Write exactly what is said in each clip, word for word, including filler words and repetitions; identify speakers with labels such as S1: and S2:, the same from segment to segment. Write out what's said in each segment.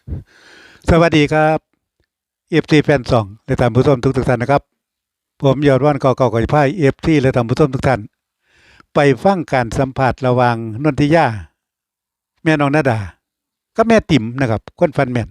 S1: สวัสดีครับเอฟซีแฟนสองและท่านผู้ชมทุกทุกท่านนะครับผมยอดว่านเก่าเก่าก่อยพ่ายเอฟซีและท่านผู้ชมทุกท่านไปฟังการสัมผัสระหว่างนนทิยาแม่น้องนาดาก็แม่ติ๋มนะครับคนฟันแม่น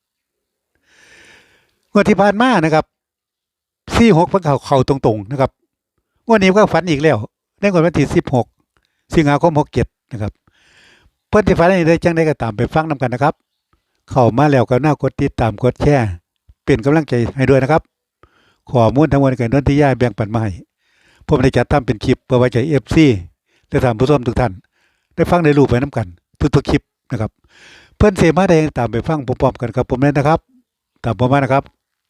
S1: งวดที่ผ่านมานะครับสี่หกเพิ่งเขาเขาตรงๆนะครับงวดนี้ก็ฝันอีกแล้วในงวดวันที่สิบหกสิงหาคมหกเจ็ดนะครับเพื่อนที่ฝันนี้ได้จังได้ก็ตามไปฟังนำกันนะครับเข้ามาแล้วก็น่ากดติดตามกดแชร์เป็นกำลังใจให้ด้วยนะครับข้อมูลทั้งหมดกับนนทิยาแบ่งปันมาให้ผมได้จัดทำเป็นคลิปเพื่อไว้ใจเอฟซีและท่านผู้ชมทุกท่านได้ฟังได้รู้ไปน้ำกันทุกๆคลิปนะครับเพื่อนเสมาได้ตามไปฟังพร้อมๆกันครับผมเลยนะครับตามผมมานะครับ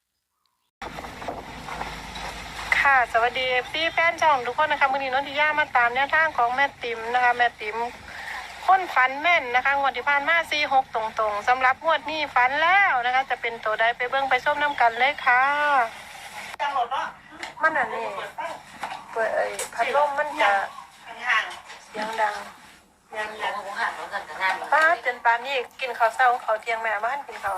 S2: ค่ะสวัสดีพี่แฟนช่องทุกคนนะคะวันนี้นนทิยามาตามแนวทางของแม่ติ๋มนะคะแม่ติ๋มค้นฝันแม่นนะคะงวดที่ผ่านมาสี่หกตรงๆสำหรับงวดนี้ฝันแล้วนะคะจะเป็นตัวใดไปเบิ้งไปส้มน้ำกันเลยค่ะจังหวะมันอันนี้เปิดไอ้พัดลมมันจะห่างเสียงดังยังยังห่างแล้วกันแต่งานป้าจนปานนี้กินข้าวเช้าข้าวเที่ยงแม่บ้านกินข้าว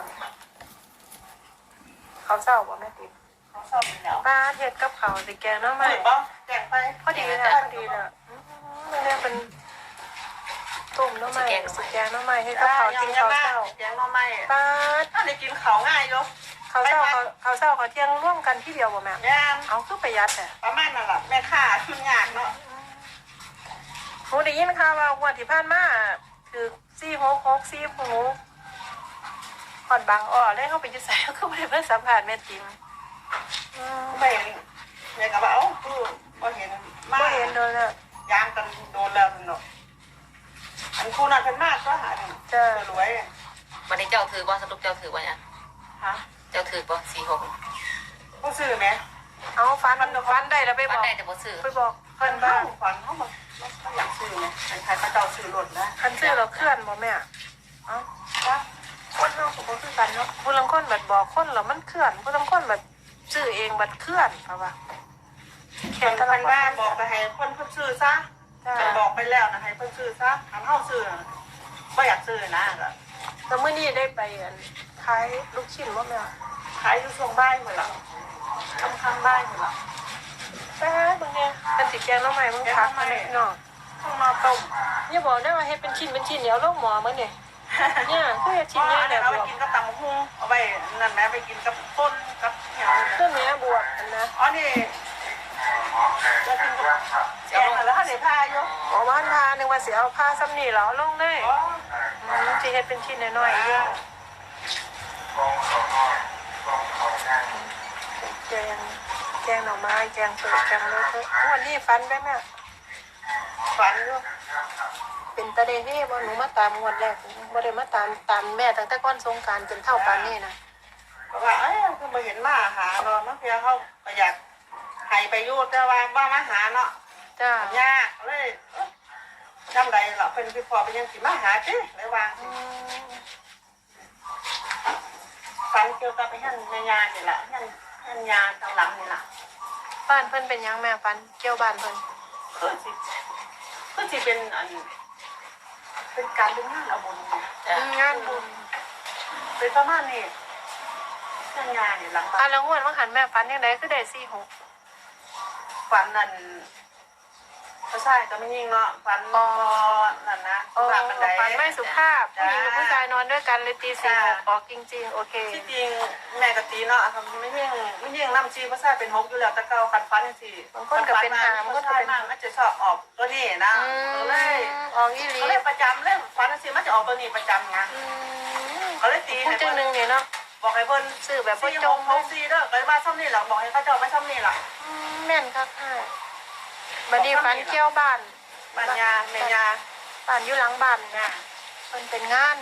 S2: ข้าวเช้าบ่แม่ติ๋มป้าเฮ็ดกับข้าวสิแกงเนาะไหมแกงไปพอดีนะพอดีนะมันเนี่ยเป็นต้มเนาะไหมสิแกงเนาะไหมให้กับข้าวกินข้าวเช้าแกงเนาะไหมป้าถ้าได้กินข้าวง่ายอยู่ข้าวเช้าข้าวเช้าข้าวเที่ยงร่วมกันที่เดียวบ่แม่เอาคือประหยัดแต่
S3: ประมาณนั่นแหละแม่ค่ามันยากเนาะ
S2: หนูได้ยินข่าวว่าวันที่ผ่านมาคือสี่หกหกสี่หกผ่อนบางอ้อเลยเข้าไปยึดใส่ก็ไม่ได้เพิ่งสัมผัสแม่ติ๋ม
S3: ไม่แม่ก็ว่าเอ้าคือพอเห็นมา
S2: เห็นโดนแล้ว
S3: ยางกันโดนแล้วเนาะอันคู่นั้นเป็นมากก็หา
S2: จะ
S3: รวย
S4: วันนี้เจ้าถือว่าสรุปเจ้าถือว่าเนี่ย
S3: ฮะ
S4: เจ้าถือว่าสี่หก
S3: ผู้ซื้อไหม
S2: เอาฟันมันฟันได้แล้วไปบอก
S4: ได้แต่บ่ซื้อ
S2: ไปบอก
S3: เพิ่นบ้างฝันเขาบอกเขาอยากซื้อไหมเป็นใครเขาเจ้าซื้อรถนะ
S2: คันซื้อเราเคลื่อนบ่แม่เอ้าว่าคนเราสมมติคือกันเนาะผู้ลังคนแบบบอกคนเรามันเคลื่อนผู้ลังคนแบบซื้อเองบัดเคลื่อนเพราะว่า
S3: แข่งกันว่าบอกไปให้คนเพิ่นซื้อซะบอกไปแล้วนะให้เพิ่นซื้อซะทำเฮาซื้อไม่อยากซื้อนะ
S2: แต่เมื่อนี้ได้ไปขายลูกชิ้นบ่แม่
S3: ขายอยู่ช่วงบ่ายหมดแล้วทำข้างบ่ายหมดแล้ว
S2: แต่บางเนี่ยเป็นสีแกงแล้วใหม่มึงพักมาเนี่ยเนาะ
S3: ข้างนอกต้ม
S2: เนี่ยบอกได้ว่าให้เป็นชิ้นเป็นชิ้นเดี๋ยวลูกหมอมั้งเนี่ยเนี่ยคือชิ้น
S3: เนี่
S2: ย
S3: เดี๋ยวเอาไปกินกับตำหุ้งเอาไปนั่นแม่ไปกินกับต้นกับอย่าง
S2: เรื่องนี้บวชนะ
S3: อ๋อนี่จะกินกับแกงแล้วถ้าเดี๋ยวพาอยู่
S2: อ๋อบ้านพาหนึ่งวันเสียเอาผ้าซ้ำนี่เหรอลงได้ที่ให้เป็นชิ้นน้อยๆเยอะแกงแกงหน่อไม้แกงเปิดแกงเลยเถอะวันนี้ฟันได้ไหม
S3: ฝันอยู่
S2: เป็นตะเดเฮ่บ่หนูมาตามงวดแรกบ่ได้มาตามตามแม่ตั้งแต่ก้อนสงการจนเท่าปานนี้นะ
S3: ว่าเอ้ยคือมาเห็นมาหาเนาะมันเพียเขาอยากให้ไปยูดแต่ว่าว่ามาหาเนาะ
S2: จ้าย
S3: ากเลยจำได้หรอเป็นพี่พอเป็นยังสิมาหาจิเลยวางฝันเกี่ยวกับไปหั่นยานี่แหละหั่นหั่นยาทางหลังนี่แหละ
S2: บ้านเพิ่นเป็นยังแม่ฟันเกี่ยวบ้านเพิ่น
S3: คือสิคือสิเป็นอันเป็นการเป็นงานเอาบุญ
S2: งานบุญ
S3: เป็นประมาณนี้หั่นยานี่หลังบ้าน
S2: อ่ะแล้วงวดว่าหันแม่ฟันยังไงคือได้สี่หก
S3: ฝันนั่นก็ใช่ก็ไม่ยิ่งเนาะฝันพอนั่นนะ
S2: ฝันบันไดฝันไม่สุภาพผู้หญิงกับผู้ชายนอนด้วยกันเลยตีสี่หกออกจริงๆโอเค
S3: ที่จริงแม่กับตีเนาะทำไม่ยิ่งไม่ยิ่งน้ำจีภาษาเป็นหกอยู่แล้วแต่เก่าคันฟันสิ
S2: บางคนก็เป็นหาง
S3: ก็ใช่มากมันจะชอบออกตัวนี้นะเลย
S2: ออกยี่ลี
S3: ก็เลยประจำเลยฟันสิมันจะออกตัวนี้ประจำนะก็เลยตี
S2: ให้เพิ่นนึงเนี่ยเนาะ
S3: บอกให้เพิ่น
S2: ซื้อแบบพ่อจง
S3: เขาซีเด้อก็มาซ่อมนี่หรอบอกให้เขาเจ้าไม่ซ่อมนี่หรอ
S2: แม่นครับค่ะบัดนี้ฟันเกี่ยวบ้าน
S3: บ้านยาแม่ยา
S2: บ้านอยู่หลังบ้านเนี่ยมันเป็นงาน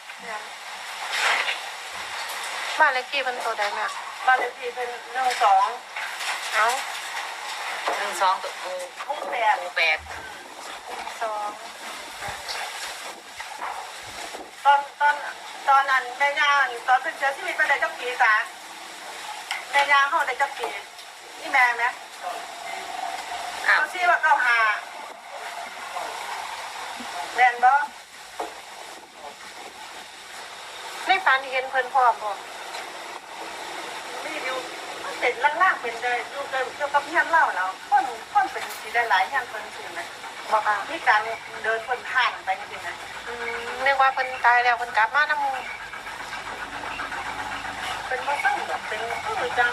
S2: บ้านเลขที่เป็นตัวใดแม่
S3: บ้านเลขที่เป็นหนึ่งสอง
S2: เอา
S4: หนึ่งสองตัวห
S3: มู่แปด
S4: หมู่แปด
S2: สอง
S3: ตอนตอนตอนนั้นแม่ยาตอนเป็นเชื้อชีวิตมันได้จักปีสาแม่ยาเขาได้จักปีนี่แม่ไหมเขาชี้ว่าเก้าหาแม่นบ่
S2: ในได้ฝันเห็นเพิ่นพร้อมบ่
S3: มีอยู่มันเป็นล่างๆเป็นได้ดูเกี่ยวกับเฮียนเล่าแล้วคนคนเป็นสีได้หลายเฮียนเพิ่นสินะ
S2: บ่ค่ะ
S3: มีการเดินคนผ่านไปจริงๆนะ
S2: อืมนึกว่าเพิ่นตายแล้วเพิ่นกลับมานำหมู่
S3: เป็นมาตั้งแบบเป็นคือจัง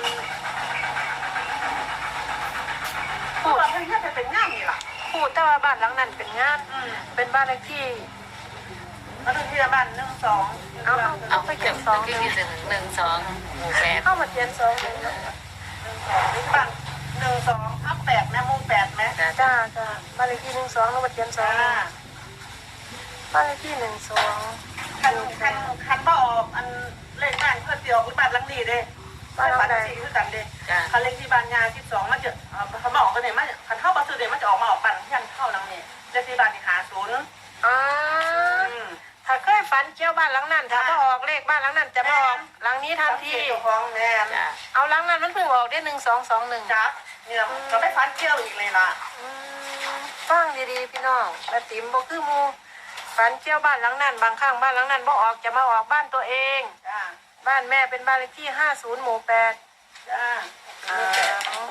S2: พูด
S3: ว่าเพิ่นจะเป็นงานนี่ล่ะ
S2: พูดแต่ว่าบ้านหลังนั้นเป็นงาน
S3: อืม
S2: เป็นบ้านเลขที่
S3: แล้วถึงที่บ้านหนึ่งสอง
S2: เอาเอา
S4: เอา
S2: ไป
S4: ไป
S2: เก็
S4: เก็
S2: บบ สอง
S4: ที่ที่ถึงหนึ่งสองหมู่แปด
S2: เข้ามาเขียนสองหนึ่งเนาะ
S3: หนึ่งสองหรือบ้านหนึ่งสองทับแปดแม่มุงแปดไหม
S4: จ้ะ
S2: จ้าจ้าบ้านเลขที่หนึ่งสองแล้วมาเขียนสอง
S3: อ่า
S2: บ้านเลขที่หนึ่งสอง
S3: คันคันคันบ่ออกอันเลขบ้านเพื่อเดียวคือบ้านหลังนี้เด้บ้านหลังนี้คือกันเด้
S4: จ้ะ
S3: คันเลขที่บ้านยาที่สองมันจะเขาบอกกันเนี่ยมันคันเท่าบัสเดมันจะออกมาออกบ้านยันเท่าหลังนี้เลขที่บ้านนี่หาศูนย์
S2: อ่า
S3: อืม
S2: ถ้าเคยฝันเกี่ยวบ้านหลังนั้นถ้าบ่ออกเลขบ้านหลังนั้นจะบ่ออกหลังนี้ทันที
S3: เจ้าของแม่
S4: จ้ะ
S2: เอาหลังนั้นมันเพิ่งออกได้หนึ่งสองสองหนึ่ง
S3: จับเนี่ยเราไม่ฟันเที่ยวอีกเลยล่ะ
S2: ฟังดีๆพี่น้องแม่ติ๋มบ่คือหมูฝันเกี่ยวบ้านหลังนั้นบางครั้งบ้านหลังนั้นบ่ออกจะมาออกบ้านตัวเอง
S3: จ้า
S2: บ้านแม่เป็นบ้านเลขที่ห้าศูนย์หมู่แปด
S3: จ้า
S2: อ่า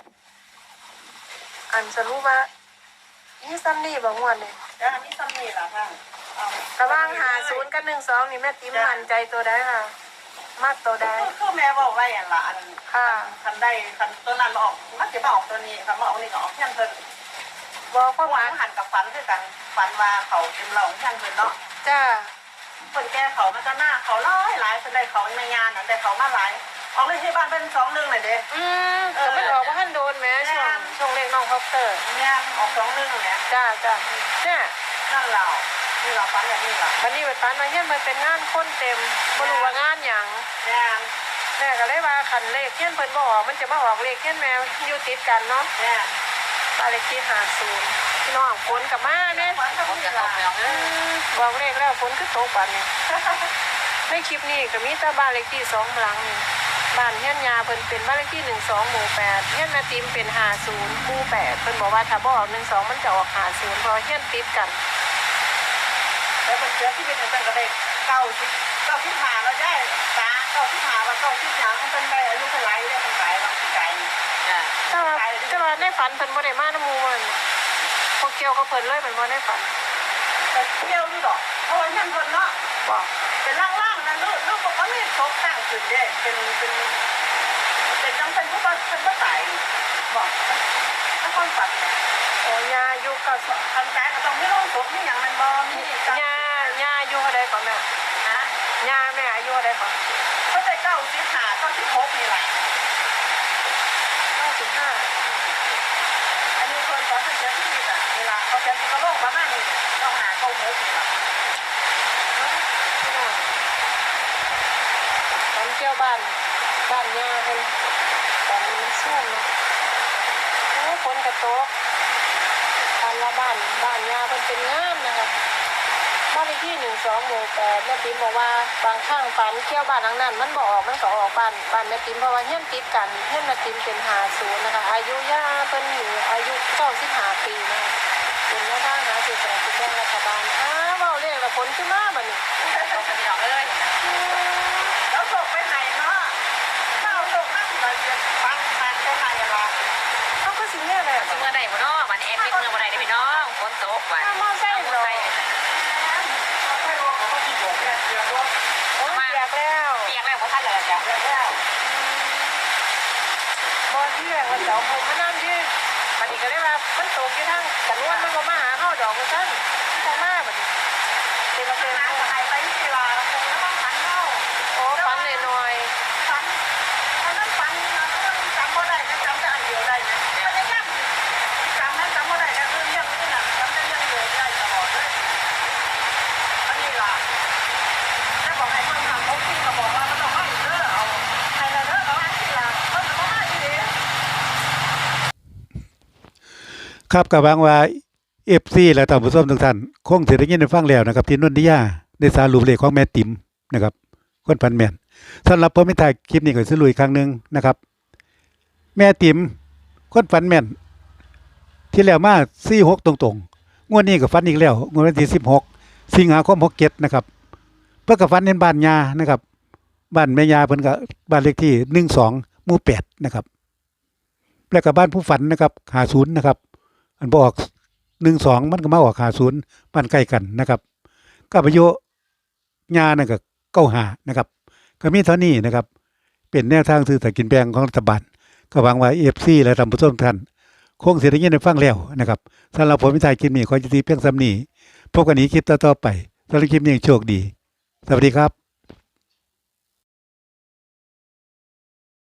S2: อันสรุปว่านี่ซ้ำนี่บ่งวดนี่
S3: จ้ามีซ้ำนี่ล่ะท่านเอา
S2: ระหว่างหาศูนย์กับหนึ่งสองนี่แม่ติ๋มมั่นใจตัวใดค่ะ มากตัวใด
S3: คือแม่บอกไว้อย่างละอัน
S2: ค่ะ
S3: คันได้คันตัวนั้นมาออกมันจะมาออกตัวนี้คันมาออกนี่ก็ออกเพี้ยนเพิ่น
S2: บอกความห
S3: หวาม
S2: าย
S3: นหันกับฟันคือกันฟันว่าเขาเป็นเราเพี้ยนเพิ่นเนาะ
S2: จ้า
S3: คนแก่เขามันก็หน้าเขาร้อยหลายคนได้เขาในงานนั่นได้เขามาหลายออกเลยที่บ้านเป็นสองหนึ่งเลยเด้
S2: อืมแต่มันออกว่าท่านโดนแหม่ช่วงช่วงเลขน้องคอปเตอร์
S3: เนี่ยออกสองหนึ่งเนี่ย
S2: จ้าจ้าเนี่ย
S3: นั่นเรานี่เราฟันแบบนี้ล่ะ
S2: วันนี้ไปฝันมาเฮียนมันเป็นงานคนเต็มบ่รู้ว่างานหยัง
S3: เนี่ย
S2: แม่ก็เลยว่าคันเลขเฮียนเพิ่นบ่ออกมันจะมาออกเลขเฮียนแมวอยู่ติดกันเนาะ
S3: เนี่ย
S2: บ้านเลขที่ห้าศูนย์พี่น้องฝนกลับมาเนี่ย
S3: ฟันก็
S4: ผม
S3: มี
S4: จะเข้า
S3: ล่ะ
S4: ไปเอาเอ
S2: อื
S4: อ
S2: มบอกเลขแล้วฝนคือตกบัดนี้ในคลิปนี้ก็มีแต่บ้านเลขที่สองหลังนี่บ้านเฮียนยาเพิ่นเป็นบ้านเลขที่หนึ่งสองหมู่แปดเฮียนนาติมเป็นห้าศูนย์หมู่แปดเพิ่นบอกว่าถ้าบ่ออกหนึ่งสองมันจะออกห้าศูนย์เพราะเฮียนติดกัน
S3: แล้วเป็นเชื้อที่เป็นตั้งแต่เด็กเก้าสิบเก้าสิบห้าเราได้ตาเก้าสิบห้าว่าเก้าสิบยังเป็นได้อายุเท่าไรได้เป็นไก่บางทีไก่
S4: จ้ะ
S2: แต่ว่าแต่ว่าในฝันเพิ่นบ่ได้มาน้ำหมู่มันพวกเกี่ยวกับเพิ่นเลยเป็นบ่ได้ฝัน
S3: แต่เที่ยวนี่ดอกเพราะว่าท่านคนเนาะ
S2: บอก
S3: เป็นล่างๆนะลูกลูกบอกว่ามีทบตั้งขึ้นเด้เป็นเป็นเป็นจังเป็นผู้เป็นผู้ตายบอกถ้าคนฝันเนี่ย
S2: โอ้ยาอยู่กับ
S3: ทำใจก็ต้องไม่ลงศพนี่อย่างมันบ่มีการ
S2: ยาญาอายุเท่าใดก่อนแม่
S3: นะ
S2: ยาแม่อายุเท่าใดก่อน
S3: เขาได้เก้าสิบห้าเก้าสิบหกนี่แหละ
S2: เก้าสิบห้า
S3: อันนี้คนตอนเป็นเชื้อที่มีอ่ะเวลาเขาจะมีกระโหลกประมาณนี้ต้องหาเก้าหกนี่แหละ
S2: ตอนเที่ยวบ้านบ้านยาเพิ่นตอนมันช่วงเนาะโอ้ฝนกระตกตอนละบ้านบ้านยาเพิ่นเป็นงามนะคะบ้านเลขที่หนึ่งสองหมู่แปดแม่ติ๋มบอกว่าบางครั้งฝันเที่ยวบ้านหลังนั้นมันบ่ออกมันก็ออกบ้านบ้านแม่ติ๋มเพราะว่าเฮียนติดกันเฮียนแม่ติ๋มเป็นห้าศูนย์นะคะอายุย่าเพิ่นอยู่อายุเก้าสิบห้าปีนะคะเป็นแม่บ้านหาสื่อสารกิจแบ่งรัฐบาลอ้าวเว้าเรียกแล้วฝนขึ้นมาบัดนี้
S4: เอาไปเอาเลย
S3: แล้วส่งไปไหนเนาะถ้าเอาส่งนั่งเราจะฟังฟังไปไหนอะไร
S2: เขาก็สิเนี่ยแหละ
S4: สิเมื่อใดบ่เนาะวันนี้แอดมิดเมื่อบ่ได้เด้อพี่น้องฝนตกวัน
S2: ถ้ามอไซค์เหรอ
S3: ไม่รู้เขาก็ที่บอกเนี่ยเดี๋ยวว่า
S2: โอ้ยเปียกแล้ว
S4: เปียกแล้วบ่ทันแล้วจ้ะ
S3: เดี๋ยวแล้ว
S2: บอลที่แรงวันเสาร์ผมมานั่งยืนบัดนี้ก็ได้ว่ามันตกอยู่ทางกันวนมันก็มาหาเฮาดอกว่าซั่นมันก็มาบัดนี้เต็มเต็ม
S3: น้ำหายไปที่ลาคงแล้วก็ขันเล่า
S2: โอ้ฟันหน่อย
S3: ฟันตอนนั้นฟันนะจำบ่ได้นะจำแต่อันเดียวได้นะไม่ได้ยังจำนั้นจำบ่ได้นะคือเรื่องนี้นะจำได้เรื่องเดียวได้ตลอดเลยอันนี้ล่ะถ้าบอกให้เพิ่มทำเขาพี่ก็บอกว่ามันต้องมาอีกเด้อเอาให้ละเด้อเอาอันที่ล่ะเพิ่มก็มาอีกเด้อ
S1: ครับกับวางว่า เอฟ ซี และท่านผู้ชมทุกท่านคงสิได้ยินได้ฟังแล้วนะครับที่นนทิยาได้สารุปเลขของแม่ติ๋มนะครับคนพันแม่นสำหรับผมไม่ถ่ายคลิปนี้ก็สิลุยอีกครั้งหนึงนะครับ แม่ติ๋มคนฟันแม่น ที่แล้วมาสี่หกตรงๆงวดนี้ก็ฟันอีกแล้วงวดวันที่สิบหกสิงหาคมหกเจ็ดนะครับ เพิ่นก็ฝันเห็นบ้านยานะครับบ้านแม่ยาเพิ่นก็บ้านเลขที่หนึ่งสองหมู่แปดนะครับแล้วก็บ้านผู้ฝันนะครับห้าสิบนะครับอันบ่ออกหนึ่งสองมันก็มาออกห้าสิบบ้านใกล้กันนะครับก็อายุยานั่นก็เก้าสิบห้านะครับก็มีเท่านี้นะครับเป็นแนวทางซื้อสลากกินแบ่งของรัฐบาลก็หวังว่า เอฟ ซี และท่านผู้ชมทุกท่านคงสิได้ยินได้ฟังแล้วนะครับสำหรับผมวิทยคลิปนี้ขอจุติเพียงส่ำนี้พบกันอีกคลิปต่อๆไปสำหรับคลิปนี้โชคดีสวัสดีครับ